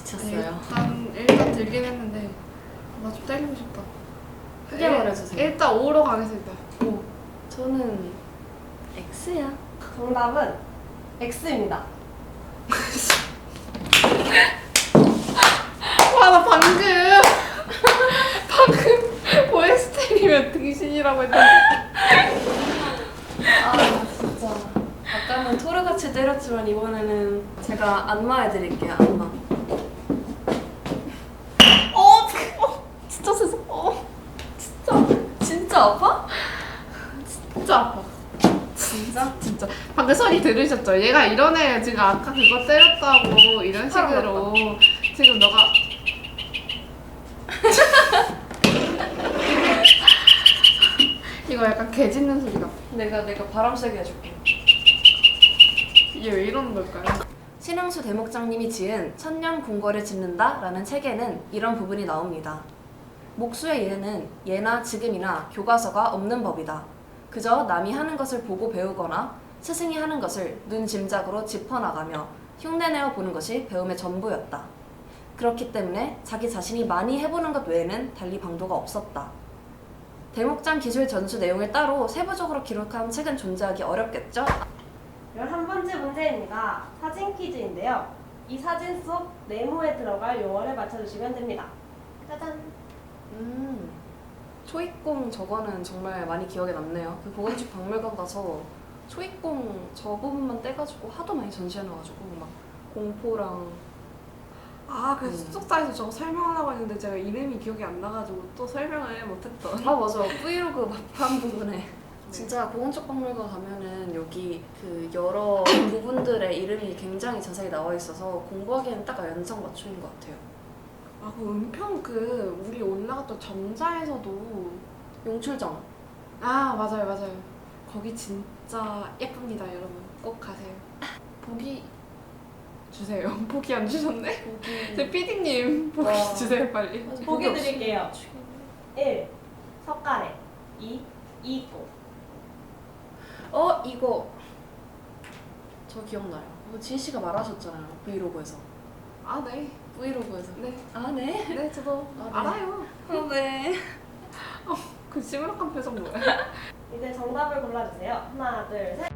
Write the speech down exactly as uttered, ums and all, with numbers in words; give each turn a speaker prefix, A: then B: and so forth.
A: 지쳤어요.
B: 일단 일단 들긴 했는데 나 좀 때리고 싶다.
A: 크게
B: 일-
A: 말해주세요.
B: 일단 오로 가겠습니다.
A: 오, 저는 X야.
C: 정답은 X입니다.
B: 와, 나 방금 방금 오에스티면 등신이라고 했는데.
A: 아 진짜. 아까는 토르같이 때렸지만 이번에는 제가 안마해드릴게요. 안마. 어, 어 진짜 세상. 어, 진짜 진짜 아파?
B: 진짜 아파.
A: 진짜?
B: 진짜. 방금 소리 들으셨죠? 얘가 이런 애 지금 아까 그거 때렸다고 이런 식으로 지금 너가 이거 약간 개 짖는 소리 같아.
A: 내가 내가 바람 세게 해줄게.
B: 이게 왜 이러는 걸까요?
A: 신흥수 대목장님이 지은 천년 궁궐을 짓는다 라는 책에는 이런 부분이 나옵니다. 목수의 일에는 예나 지금이나 교과서가 없는 법이다. 그저 남이 하는 것을 보고 배우거나 스승이 하는 것을 눈 짐작으로 짚어나가며 흉내내어 보는 것이 배움의 전부였다. 그렇기 때문에 자기 자신이 많이 해보는 것 외에는 달리 방도가 없었다. 대목장 기술 전수 내용을 따로 세부적으로 기록한 책은 존재하기 어렵겠죠?
C: 열한 번째 문제입니다. 사진 퀴즈인데요. 이 사진 속 네모에 들어갈 용어를 맞춰주시면 됩니다. 짜잔!
A: 음, 초입공 저거는 정말 많이 기억에 남네요. 그 보건집 박물관 가서 초입공 저 부분만 떼가지고 하도 많이 전시해놔가지고 막 공포랑
B: 아, 그
A: 음.
B: 숙소에서 저거 설명하려고 했는데 제가 이름이 기억이 안 나가지고 또 설명을 못했던.
A: 아 맞아 브이로그 막판 부분에 진짜 보건집 박물관 가면은 여기 그 여러 부분들의 이름이 굉장히 자세히 나와 있어서 공부하기에는 딱 연상맞춤인 것 같아요.
B: 아, 그 은평 그 우리 올라갔던 정자에서도
A: 용출정
B: 아, 맞아요, 맞아요. 거기 진짜 예쁩니다, 여러분. 꼭 가세요. 보기 주세요. 보기 안 주셨네?
A: 보기
B: 제 피디님 보기
A: 와.
B: 주세요, 빨리.
A: 맞아,
C: 보기
A: 없이.
C: 드릴게요. 일. 석가래. 이. 이고.
A: 어 이거 저 기억나요. 이거 지희 씨가 말하셨잖아요 브이로그에서.
B: 아, 네.
A: 브이로그에서.
B: 네.
A: 아 네.
B: 네, 저도
A: 아, 네.
B: 알아요.
A: 아 네.
B: 그 시무룩한 표정 뭐예요?
C: 이제 정답을 골라주세요. 하나, 둘, 셋.